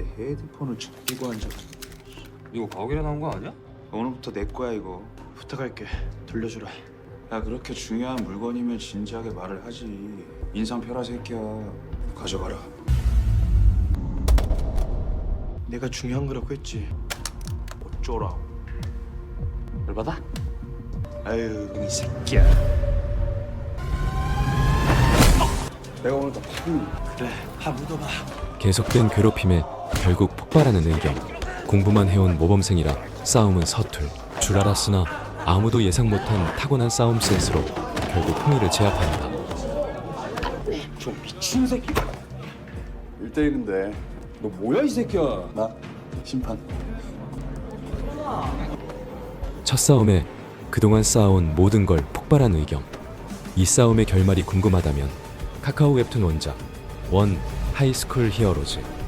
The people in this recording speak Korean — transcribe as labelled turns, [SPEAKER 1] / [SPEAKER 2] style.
[SPEAKER 1] 헤드폰을 끼고 앉아.
[SPEAKER 2] 이거 가오갤에 나온 거 아니야?
[SPEAKER 1] 오늘부터 내 거야 이거. 부탁할게. 돌려주라. 야 그렇게 중요한 물건이면 진지하게 말을 하지. 인상 펴라 새끼야. 가져가라. 내가 중요한 거라고 했지. 어쩌라고.
[SPEAKER 2] 열받아?
[SPEAKER 1] 아유 이 새끼야. 내가 오늘 더 그래 파 묻어봐.
[SPEAKER 3] 계속된 괴롭힘에 결국 폭발하는 의경. 공부만 해온 모범생이라 싸움은 서툴. 줄 알았으나 아무도 예상 못한 타고난 싸움 센스로 결국 흥이를 제압한다.
[SPEAKER 2] 저 미친 새끼.
[SPEAKER 1] 1대1인데
[SPEAKER 2] 너 뭐야 이 새끼야?
[SPEAKER 1] 나 심판.
[SPEAKER 3] 첫 싸움에 그동안 쌓아온 모든 걸 폭발한 의경. 이 싸움의 결말이 궁금하다면 카카오 웹툰 원작 원 하이스쿨 히어로즈